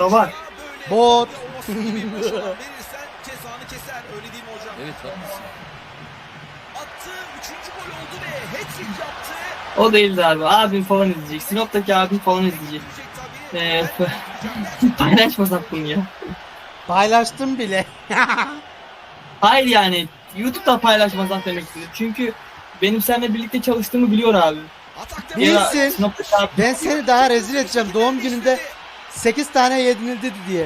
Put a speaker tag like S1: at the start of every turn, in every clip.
S1: da var.
S2: Bot.
S3: Verirsen cezanı keser. Öyle değil mi hocam?
S4: Evet haklısın.
S3: Attı. 3. gol oldu ve hat-trick yaptı.
S1: O değildi abi. Abim falan izleyecek. Sinop'taki abim falan izleyecek. Paylaşmasak bunu ya.
S2: Paylaştım bile.
S1: Hayır yani YouTube'da paylaşmasak demek istedim. Çünkü benim seninle birlikte çalıştığımı biliyor abi.
S3: Atakta
S2: Bilsin.
S1: Sinop'taki abi.
S2: Ben seni daha rezil edeceğim. Doğum gününde 8 tane yenildi diye.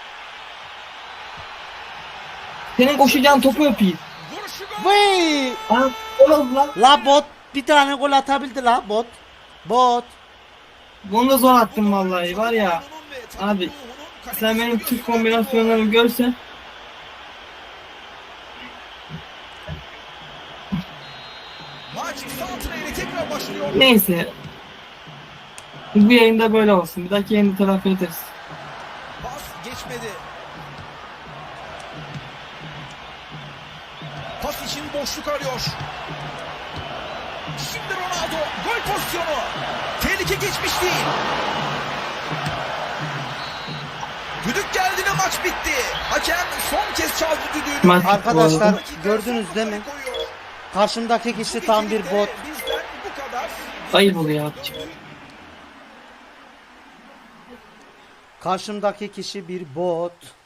S1: Senin koşacağın topu öpeyim.
S3: vuruşu gol.
S2: Vay!
S1: Aa, gol oldu lan.
S2: La bot bir tane gol atabildi la bot. Bot.
S1: Bunu da zor attım vallahi var ya. Abi sen benim Türk kombinasyonlarımı görsen.
S3: Maç santrayla tekrar başlıyor.
S1: Neyse. Bu yayında böyle olsun. Bir dahaki yayında telafi ederiz.
S3: Pas geçmedi. Pas için boşluk arıyor. Şimdi Ronaldo gol pozisyonu. Tehlike geçmiş değil. Düdük geldi ve maç bitti. Hakem son kez çaldı düdüğünü.
S1: Maç
S2: Arkadaşlar
S1: oldu.
S2: gördünüz değil mi? Karşımdaki kişi tam bir bot.
S3: Bizden bu kadar.
S1: Ayıp oluyor abicim.
S2: Karşımdaki kişi bir bot.